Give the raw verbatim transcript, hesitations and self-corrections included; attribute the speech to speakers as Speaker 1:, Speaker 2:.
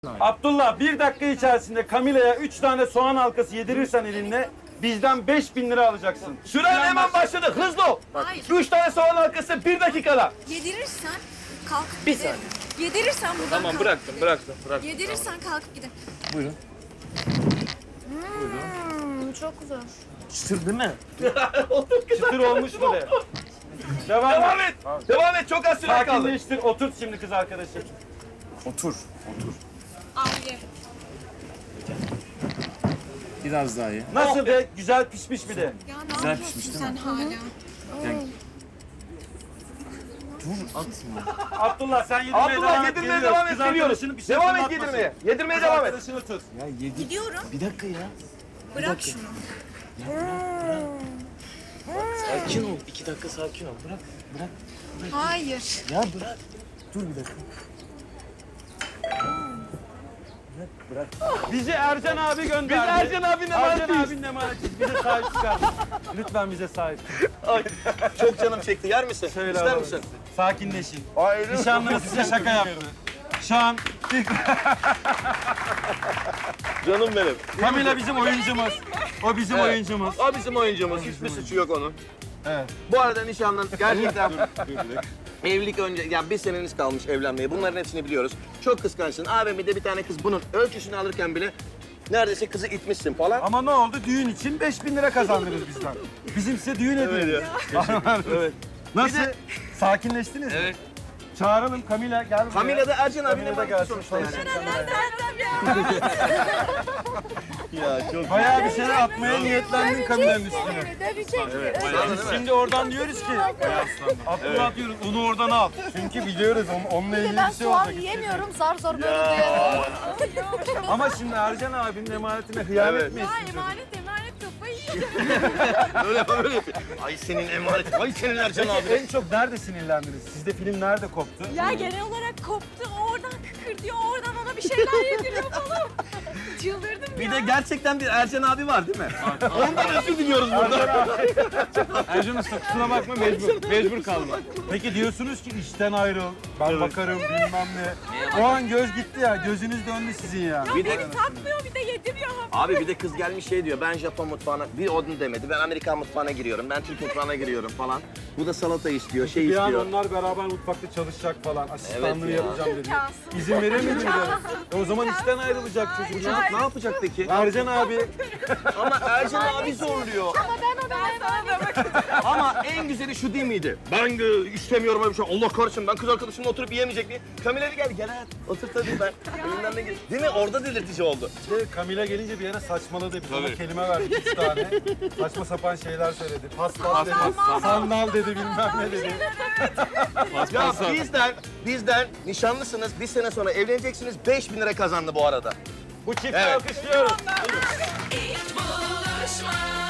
Speaker 1: Abdullah bir dakika içerisinde Camila'ya üç tane soğan halkası yedirirsen elinle bizden beş bin lira alacaksın.
Speaker 2: Süren hemen başladı. Hızlı ol.
Speaker 3: Hayır.
Speaker 2: Üç tane soğan halkası bir dakikada.
Speaker 3: Yedirirsen kalk.
Speaker 4: Bir
Speaker 3: giderim.
Speaker 4: saniye.
Speaker 3: Yedirirsen buradan
Speaker 4: Tamam
Speaker 3: kalk.
Speaker 4: bıraktım, bıraktım, bıraktım.
Speaker 3: Yedirirsen kalkıp gidelim.
Speaker 4: Buyurun.
Speaker 3: Hmm, çok zor.
Speaker 4: Çıtır değil mi?
Speaker 1: Çıtır olmuş mu de. Devam,
Speaker 2: Devam
Speaker 1: et.
Speaker 2: et. Devam et. Çok az süre kaldı.
Speaker 1: Sakinleştir. Oturt şimdi kız arkadaşı.
Speaker 4: Otur, otur.
Speaker 3: Abi.
Speaker 4: Biraz daha ye.
Speaker 1: Nasıl de? Güzel pişmiş mi de?
Speaker 3: Ya ne
Speaker 4: Güzel
Speaker 3: yapıyorsun
Speaker 4: pişmiş değil
Speaker 3: sen
Speaker 4: mi?
Speaker 3: hala?
Speaker 4: Yani... Dur atma.
Speaker 1: Abdullah sen yedirmeye devam
Speaker 2: Abdullah
Speaker 1: et.
Speaker 2: yedirmeye
Speaker 1: geliyoruz.
Speaker 2: devam et.
Speaker 1: Kız
Speaker 2: Geliyoruz.
Speaker 1: arkadaşını bir şey
Speaker 2: Devam et
Speaker 1: fırlatmasın.
Speaker 2: yedirmeye. Yedirmeye
Speaker 1: Kız
Speaker 2: devam et.
Speaker 1: arkadaşını tut.
Speaker 4: Ya yedi.
Speaker 3: Gidiyorum.
Speaker 4: Bir dakika ya.
Speaker 3: Bırak
Speaker 4: dakika.
Speaker 3: şunu.
Speaker 4: Sakin ol. İki dakika sakin ol. Bırak, bırak.
Speaker 3: Hayır.
Speaker 4: Ya bırak. Dur bir dakika. Bırak, bırak.
Speaker 1: Bizi Ercan abi gönderdi.
Speaker 2: Biz Ercan abinin
Speaker 1: Ercan
Speaker 2: emanetiyiz.
Speaker 1: abinin emanetiyiz. Bize sahip çıkar. Lütfen bize sahip.
Speaker 2: Ay, çok canım çekti. Yer misin?
Speaker 1: Söyle
Speaker 2: İster
Speaker 1: abi.
Speaker 2: misin?
Speaker 1: Sakinleşin.
Speaker 2: Hayır.
Speaker 1: Nişanlınız size şaka yaptı. Şu an
Speaker 2: Canım benim.
Speaker 1: Camila bizim oyuncumuz. O bizim
Speaker 2: Evet.
Speaker 1: oyuncumuz.
Speaker 2: O bizim oyuncumuz. Hiçbir suçu yok onun.
Speaker 1: Evet.
Speaker 2: Bu arada nişanlın gerçekten evlilik önce, ya bir seneniz kalmış evlenmeye. Bunların hepsini biliyoruz. Çok kıskançsın. A V M'de bir tane kız bunun ölçüsünü alırken bile neredeyse kızı itmişsin falan.
Speaker 1: Ama ne oldu? Düğün için beş bin lira kazandınız bizden. Bizim size düğün hediyemiz.
Speaker 2: Evet.
Speaker 1: Nasıl?
Speaker 2: Bir de-
Speaker 1: Sakinleştiniz mi?
Speaker 4: Evet.
Speaker 1: Çağıralım Camila gel buraya.
Speaker 2: Camila da Ercan abinin
Speaker 1: Camila da
Speaker 2: emaneti
Speaker 1: gelsin.
Speaker 2: sonuçta yani.
Speaker 1: Konuşalım.
Speaker 2: Ya çok
Speaker 1: Bayağı bir şeyler atmaya niyetlendin Camila'nın üstüne. Biz şimdi oradan diyoruz ki Abdullah diyoruz onu oradan al. Çünkü biliyoruz onun, onunla ilgili
Speaker 5: Ben
Speaker 1: bir şey
Speaker 5: soğan
Speaker 1: olacak.
Speaker 5: yiyemiyorum, zar zor böyle duyuyorum.
Speaker 1: Ama şimdi Ercan abinin emanetine hıyanet
Speaker 2: Evet.
Speaker 1: mi etsin çocuk?
Speaker 5: Emanet emanet kafayı yiyeceğim.
Speaker 2: Öyle böyle yapıyor. Ay senin emanetin. Ay senin Ercan abi.
Speaker 1: En çok nerede sinirlendiniz? Sizde film nerede koptu?
Speaker 5: Ya genel olarak koptu, oradan kıkırdıyor, oradan ona bir şeyler yediriyor falan. Çıldırdım
Speaker 2: Bir
Speaker 5: ya.
Speaker 2: de gerçekten bir Ercan abi var değil mi? Ondan özür diliyoruz burada.
Speaker 1: Ercan Usta kusura bakma mecbur, mecbur kalma. Peki diyorsunuz ki işten ayrıl, ben bakarım bilmem ne. O an göz gitti ya, gözünüz döndü sizin ya.
Speaker 2: Bir de
Speaker 5: Beni takmıyor, bir de yediriyor.
Speaker 2: abi bir de kız gelmiş şey diyor. Ben Japon mutfağına bir onu demedi. Ben Amerikan mutfağına giriyorum. Ben Türk mutfağına giriyorum falan. Bu da salata istiyor, şey
Speaker 1: Bir an
Speaker 2: istiyor.
Speaker 1: onlar beraber mutfakta çalışacak falan, asistanlığı
Speaker 2: Evet ya.
Speaker 1: yapacağım dedi.
Speaker 5: İmkansız.
Speaker 1: İzin veremediniz de. E o zaman işten ayrılacak
Speaker 2: Bu
Speaker 1: çocuk.
Speaker 2: çocuk ne yapacak peki?
Speaker 1: Ercan abi,
Speaker 2: Ama Ercan abi zorluyor.
Speaker 5: Ama ben ona emanet.
Speaker 2: Ama en güzeli şu değil miydi? Ben e, istemiyorum öyle bir şey. Allah kahretsin ben kız arkadaşımla oturup yiyemeyecek miyim? Camila gel gel hayat. Otur tabii ben. Elimden ne gel. Değil mi? Orada delirtici oldu.
Speaker 1: işte Camila gelince bir yere saçmaladı. Biz ona kelime verdik üç tane. Saçma sapan şeyler söyledi. Paspas dedi, sandal dedi, bilmem ne dedi.
Speaker 2: Ya bizden, bizden nişanlısınız. Bir sene sonra evleneceksiniz. beş bin lira kazandı bu arada.
Speaker 1: Bu çifti
Speaker 2: Evet.
Speaker 1: alkışlıyoruz.
Speaker 3: Hiç buluşma.